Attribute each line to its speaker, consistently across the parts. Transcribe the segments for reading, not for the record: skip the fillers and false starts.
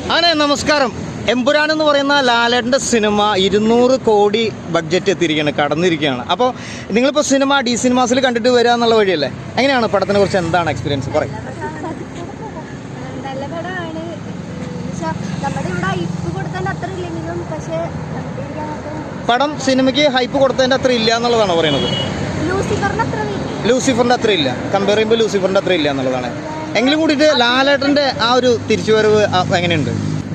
Speaker 1: അങ്ങനെ നമസ്കാരം. എമ്പുരാൻ എന്ന് പറയുന്ന ലാലേട്ടൻ്റെ സിനിമ 200 കോടി ബഡ്ജറ്റ് എത്തിയിരിക്കുകയാണ്, കടന്നിരിക്കുകയാണ്. അപ്പോൾ നിങ്ങളിപ്പോൾ സിനിമ ഡി സിനിമാസിൽ കണ്ടിട്ട് വരിക എന്നുള്ള വഴിയല്ലേ, എങ്ങനെയാണ് പടത്തിനെ കുറിച്ച് എന്താണ് എക്സ്പീരിയൻസ് പറയും?
Speaker 2: നല്ല പടമാണ്. നമ്മുടെ ഇവിടെ ഹൈപ്പ് കൊടുത്തതിൻ്റെ അത്ര ഇല്ലെങ്കിലും പക്ഷേ
Speaker 1: പടം സിനിമയ്ക്ക് ഹൈപ്പ് കൊടുത്തതിൻ്റെ അത്ര ഇല്ല എന്നുള്ളതാണ് പറയുന്നത്. ലൂസിഫറിൻ്റെ അത്ര ഇല്ല, കമ്പയർ ചെയ്യുമ്പോൾ ലൂസിഫറിൻ്റെ അത്ര ഇല്ല എന്നുള്ളതാണ്. എങ്കിലും കൂടിയിട്ട് ലാലേട്ടൻ്റെ ആ ഒരു തിരിച്ചുവരവ് എങ്ങനെയുണ്ട്?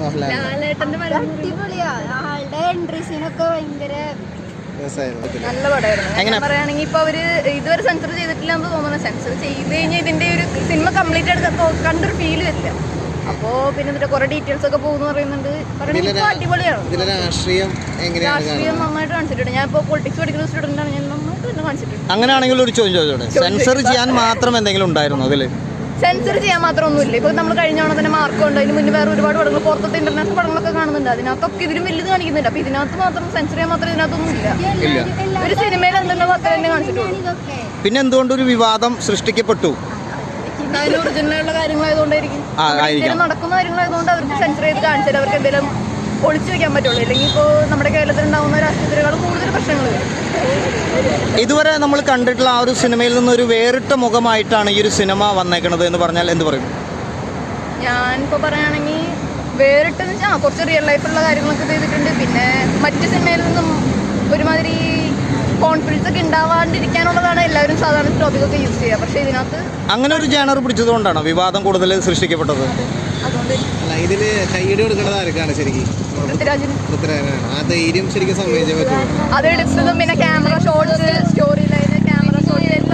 Speaker 3: നല്ല പടമായിരുന്നു. പറയുകയാണെങ്കിൽ ഇപ്പൊ അവര് ഇതുവരെ സെൻസർ ചെയ്തിട്ടില്ല എന്ന് തോന്നുന്നു. സെൻസർ ചെയ്ത് കഴിഞ്ഞാൽ ഇതിന്റെ ഒരു സിനിമ കംപ്ലീറ്റ് ആയിട്ട് കണ്ടൊരു ഫീല് വരില്ല. അപ്പോ പിന്നെ കുറെ ഡീറ്റെയിൽസ് ഒക്കെ പോകുന്നു പറയുന്നുണ്ട്. അടിപൊളിയാണ്. രാഷ്ട്രീയം നന്നായിട്ട് കാണിച്ചിട്ടുണ്ട്. ഞാൻ ഇപ്പോൾ പൊളിറ്റിക്സ് പഠിക്കുന്ന സ്റ്റുഡന്റ് ആണ്. ഞാൻ നന്നായിട്ട് തന്നെ കാണിച്ചിട്ടുണ്ട്.
Speaker 1: അങ്ങനെയാണെങ്കിൽ ഒരു ചോദ്യം ചോദിച്ചോട്ടെ, സെൻസർ ചെയ്യാൻ മാത്രം എന്തെങ്കിലും ഉണ്ടായിരുന്നു അതിൽ?
Speaker 3: സെൻസർ ചെയ്യാൻ മാത്രം ഒന്നുമില്ല. ഇപ്പൊ നമ്മൾ കഴിഞ്ഞ തവണ തന്നെ മാർക്കുണ്ട്. അതിന് മുന്നേ വേറെ ഒരുപാട് പടങ്ങൾ പുറത്തത്തെ ഇന്റർനാഷണൽ പടങ്ങളൊക്കെ കാണുന്നുണ്ട്. അതിനകത്തൊക്കെ ഇതിലും വലുത് കാണിക്കുന്നുണ്ട്. അപ്പൊ ഇതിനകത്ത് മാത്രം സെൻസർ ചെയ്യാൻ മാത്രം ഇതിനകത്തൊന്നും ഇല്ല. ഒരു സിനിമയിൽ എന്തുണ്ടോ അത്ര തന്നെ കാണിച്ചിട്ടുള്ളൂ.
Speaker 1: പിന്നെ എന്തുകൊണ്ടൊരു വിവാദം സൃഷ്ടിക്കപ്പെട്ടു?
Speaker 3: അതിന് ഒറിജിനലുള്ള കാര്യങ്ങളായതുകൊണ്ടായിരിക്കും, നടക്കുന്ന കാര്യങ്ങളായതുകൊണ്ട് അവർക്ക് സെൻസർ ചെയ്ത് കാണിച്ചാൽ അവർക്ക് എന്തെങ്കിലും ഒളിച്ചു വെക്കാൻ പറ്റുള്ളൂ. അല്ലെങ്കിൽ ഇപ്പോൾ നമ്മുടെ കേരളത്തിൽ ഉണ്ടാകുന്ന രാഷ്ട്രീയത്തിനേക്കാൾ കൂടുതൽ പ്രശ്നങ്ങൾ വരും.
Speaker 1: ഇതുവരെ നമ്മൾ കണ്ടിട്ടുള്ള ആ ഒരു സിനിമയിൽ നിന്നൊരു വേറിട്ട മുഖമായിട്ടാണ് ഈ ഒരു സിനിമ വന്നേക്കുന്നത് എന്ന് പറഞ്ഞാൽ എന്ത് പറയും?
Speaker 3: ഞാനിപ്പോൾ പറയുകയാണെങ്കിൽ വേറിട്ടെന്ന് വെച്ചാൽ കുറച്ച് റിയൽ ലൈഫുള്ള കാര്യങ്ങളൊക്കെ ചെയ്തിട്ടുണ്ട്. പിന്നെ മറ്റ് സിനിമയിൽ നിന്നും ഒരുമാതിരി കോൺഫിഡൻസ് ഒക്കെ ഉണ്ടാവാണ്ടിരിക്കാനുള്ളതാണ് എല്ലാവരും സാധാരണ ടോപ്പിക്കൊക്കെ യൂസ് ചെയ്യുക. പക്ഷേ ഇതിനകത്ത് അങ്ങനെ ഒരു ജാനർ പിടിച്ചതുകൊണ്ടാണ് വിവാദം കൂടുതൽ സൃഷ്ടിക്കപ്പെട്ടത്. അതുകൊണ്ട്
Speaker 4: ഇതില് കൈയ്യടി കൊടുക്കേണ്ടത് ആർക്കാണ് ശരിക്കും? പൃഥ്വിരാജിനാണ്. ആ ധൈര്യം ശരിക്കും സമ്മതിച്ചേ പറ്റുള്ളൂ.
Speaker 3: അത് എടുത്തതും പിന്നെ camera shots, story line, camera shot എല്ലാം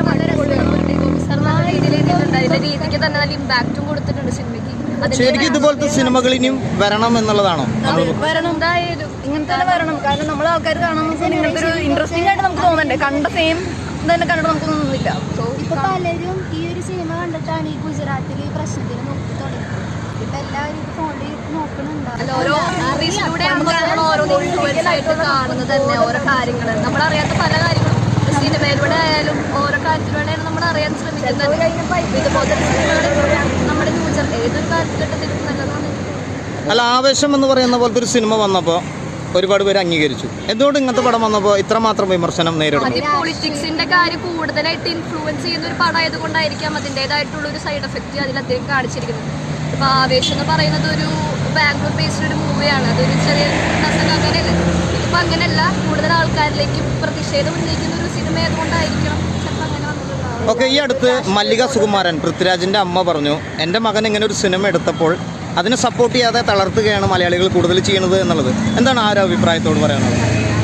Speaker 3: രീതിക്ക് തന്നെ നല്ല ഇമ്പാക്റ്റും കൊടുത്തിട്ടുണ്ട് സിനിമയ്ക്ക്.
Speaker 1: ശരിക്കും ഇതുപോലത്തെ സിനിമകൾ ഇനിയും വരണം എന്നുള്ളതാണോ?
Speaker 3: വരണം, എന്തായാലും ഇങ്ങനത്തെ തന്നെ വരണം. കാരണം നമ്മളെ ആൾക്കാർ കാണുമ്പോൾ ഇങ്ങനത്തെ ഒരു ഇൻട്രസ്റ്റിംഗ് ആയിട്ട് നമുക്ക് തോന്നണ്ടേ. കണ്ട സെയിം തന്നെ കണ്ടിട്ട് നമുക്ക് തോന്നുന്നില്ല.
Speaker 2: ഇപ്പൊ പലരും ഈ ഒരു സിനിമ കണ്ടിട്ടാണ് ഈ ഗുജറാത്തിൽ പ്രശ്നത്തിന് നോക്കി തുടങ്ങി. ഇപ്പൊ എല്ലാവരും ഫോണിൽ നോക്കുന്നുണ്ടാവും.
Speaker 3: ഓരോ കാണുന്നത് തന്നെ ഓരോ കാര്യങ്ങൾ നമ്മളറിയാത്ത പല കാര്യങ്ങളും സിനിമയിലൂടെ ആയാലും ഓരോ കാര്യത്തിലൂടെയാണ് നമ്മൾ അറിയാൻ ശ്രമിക്കുന്നത്. ഇതുപോലത്തെ നമ്മുടെ ഫ്യൂച്ചർ ഏതൊരു കാലഘട്ടത്തിലും നല്ലതാണ്.
Speaker 1: അല്ല, ആവേശം എന്ന് പറയുന്ന പോലത്തെ ഒരു സിനിമ വന്നപ്പോൾ ഒരുപാട് പേര് അംഗീകരിച്ചു. എന്തുകൊണ്ട് ഇങ്ങനത്തെ പടം വന്നപ്പോൾ ഇത്രമാത്രം വിമർശനം നേരിടുന്നു?
Speaker 3: പൊളിറ്റിക്സിന്റെ കാര്യം കൂടുതലായിട്ട് ഇൻഫ്ലുവൻസ് ചെയ്യുന്ന ഒരു പടം ആയതുകൊണ്ടായിരിക്കാം അതിൻ്റെതായിട്ടുള്ള ഒരു സൈഡ് എഫക്റ്റ് അതിലധികം കാണിച്ചിരിക്കുന്നത്. ഇപ്പൊ ആവേശം എന്ന് പറയുന്നത് ഒരു ബാംഗ്ലൂർ ബേസ്ഡ് ഒരു മൂവിയാണ്. അതൊരു ചെറിയ അങ്ങനെയല്ല. ഇതിപ്പോ അങ്ങനെയല്ല, കൂടുതൽ ആൾക്കാരിലേക്ക് പ്രതിഷേധം ഉന്നയിക്കുന്ന ഒരു സിനിമ ആയതുകൊണ്ടായിരിക്കണം ചിലപ്പോൾ അങ്ങനെ വന്നിട്ടുണ്ടാവും.
Speaker 1: ഓക്കെ, ഈ അടുത്ത് മല്ലിക സുകുമാരൻ, പൃഥ്വിരാജിന്റെ അമ്മ, പറഞ്ഞു എൻ്റെ മകൻ ഇങ്ങനെ ഒരു സിനിമ എടുത്തപ്പോൾ അതിനെ സപ്പോർട്ട് ചെയ്യാതെ തളർത്തുകയാണ് മലയാളികൾ കൂടുതൽ ചെയ്യുന്നത് എന്നുള്ളത്. എന്താണ് ആ ഒരു അഭിപ്രായത്തോട് പറയാനുള്ളത്?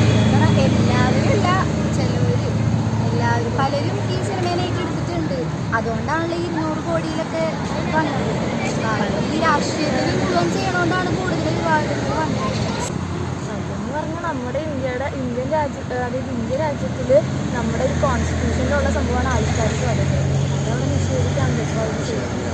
Speaker 2: പലരും ഈ സിനിമയിലേക്ക് എടുത്തിട്ടുണ്ട്. അതുകൊണ്ടാണല്ലോ 200 കോടിയിലൊക്കെ വന്നത്. ഈ രാഷ്ട്രീയത്തിൽ ഇൻഫ്ലുവൻസ് ചെയ്യണോണ്ടാണ് കൂടുതൽ വിവാദങ്ങൾ വന്നത്.
Speaker 5: അതെന്ന് പറഞ്ഞാൽ നമ്മുടെ ഇന്ത്യൻ രാജ്യത്തിൽ നമ്മുടെ ഒരു കോൺസ്റ്റിറ്റ്യൂഷനിലുള്ള സംഭവമാണ് ആൾക്കാർക്ക് വരുന്നത്. അതവിടെ നിഷേധിക്കാൻ പറ്റും.